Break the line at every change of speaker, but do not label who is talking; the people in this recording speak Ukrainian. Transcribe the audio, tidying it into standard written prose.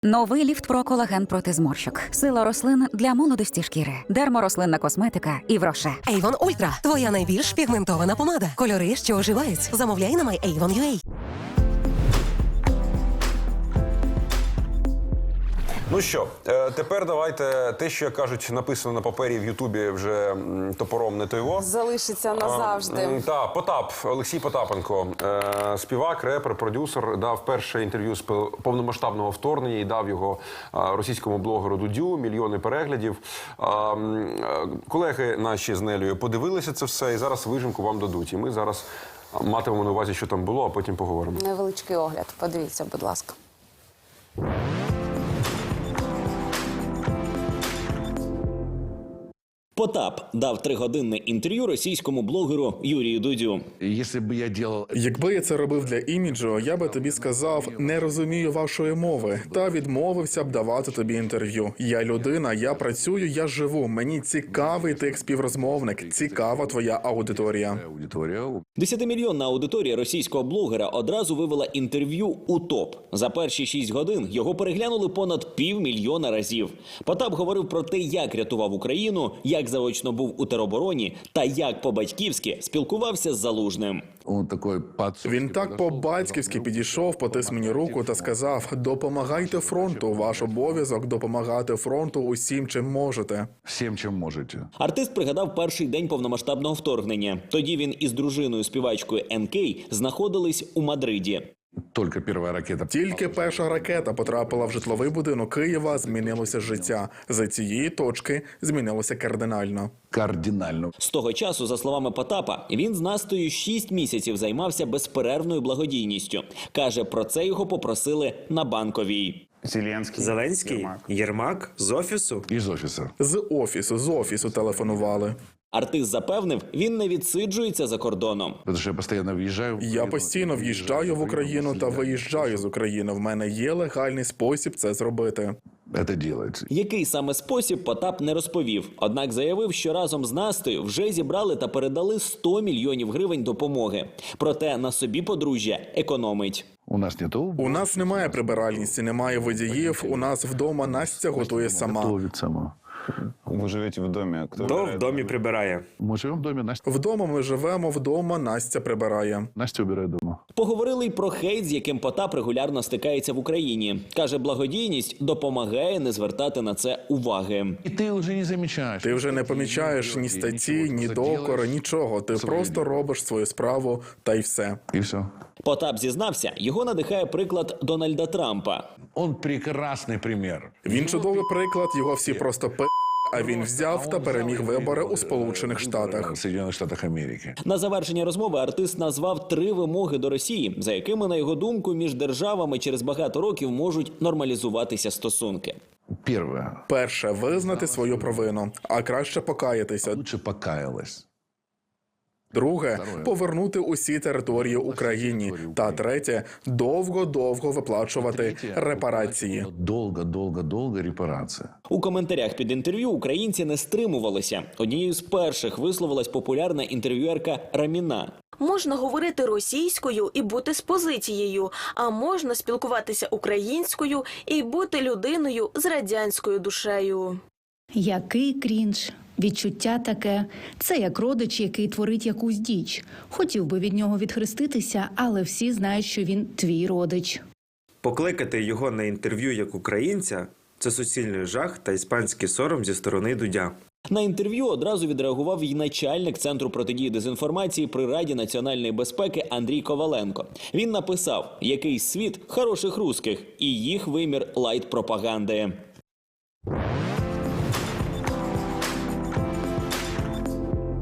Новий ліфт про колаген проти зморщок. Сила рослин для молодості шкіри. Дерморослинна косметика і Роше.
Avon Ultra – твоя найбільш пігментована помада. Кольори, що оживають. Замовляй на MyAvon.ua.
Ну що, тепер давайте те, що, як кажуть, написано на папері в Ютубі вже топором не тойво.
Залишиться назавжди.
Так, Потап, Олексій Потапенко, співак, репер, продюсер, дав перше інтерв'ю з повномасштабного вторгнення і дав його російському блогеру Дудю, мільйони переглядів. Колеги наші з Нелею подивилися це все і зараз вижимку вам дадуть. І ми зараз матимемо на увазі, що там було, а потім поговоримо.
Невеличкий огляд. Подивіться, будь ласка.
Потап дав 3-годинне інтерв'ю російському блогеру Юрію Дудю.
Якби я це робив для іміджу, я би тобі сказав, не розумію вашої мови, та відмовився б давати тобі інтерв'ю. Я людина, я працюю, я живу. Мені цікавий ти як співрозмовник, цікава твоя аудиторія.
10-мільйонна аудиторія російського блогера одразу вивела інтерв'ю у топ. За перші 6 годин його переглянули понад 500 000 разів. Потап говорив про те, як рятував Україну, як заочно був у теробороні та як по-батьківськи спілкувався з Залужним.
Він так по-батьківськи підійшов, потис мені руку та сказав: «Допомагайте фронту, ваш обов'язок допомагати фронту усім, чим можете».
Всім, чим можете.
Артист пригадав перший день повномасштабного вторгнення. Тоді він із дружиною-співачкою НК знаходились у Мадриді.
Тільки перша ракета потрапила в житловий будинок Києва, змінилося життя. За цієї точки змінилося кардинально.
З того часу, за словами Потапа, він з Настею 6 місяців займався безперервною благодійністю. Каже, про це його попросили на Банковій.
Зеленський? Єрмак? З офісу?
Із офісу.
З офісу телефонували.
Артист запевнив, він не відсиджується за кордоном.
Я постійно в'їжджаю в Україну та виїжджаю з України. В мене є легальний спосіб це зробити.
Який саме спосіб, Потап не розповів. Однак заявив, що разом з Настею вже зібрали та передали 100 мільйонів гривень допомоги. Проте на собі подружжя економить.
У нас немає прибиральниці, немає водіїв. У нас вдома Настя готує сама.
Ви живете в домі?
Хто в домі прибирає?
Вдома ми живемо, вдома Настя прибирає.
Поговорили й про хейт, з яким Потап регулярно стикається в Україні. Каже, благодійність допомагає не звертати на це уваги.
Ти вже не помічаєш ні статті, ні докора, нічого. Ти просто робиш свою справу та й все.
Потап зізнався, його надихає приклад Дональда Трампа.
Він чудовий приклад, його всі просто а він взяв та переміг вибори у Сполучених Штатах.
На завершення розмови артист назвав 3 вимоги до Росії, за якими, на його думку, між державами через багато років можуть нормалізуватися стосунки.
Перше – визнати свою провину, а краще покаятися. Друге – повернути усі території Україні. Та третє – довго-довго виплачувати репарації.
У коментарях під інтерв'ю українці не стримувалися. Однією з перших висловилась популярна інтерв'юерка Раміна.
Можна говорити російською і бути з позицією, а можна спілкуватися українською і бути людиною з радянською душею.
Який крінж. Відчуття таке. Це як родич, який творить якусь діч. Хотів би від нього відхреститися, але всі знають, що він твій родич.
Покликати його на інтерв'ю як українця – це суцільний жах та іспанський сором зі сторони Дудя.
На інтерв'ю одразу відреагував і начальник Центру протидії дезінформації при Раді національної безпеки Андрій Коваленко. Він написав, який світ хороших русських і їх вимір лайт-пропаганди.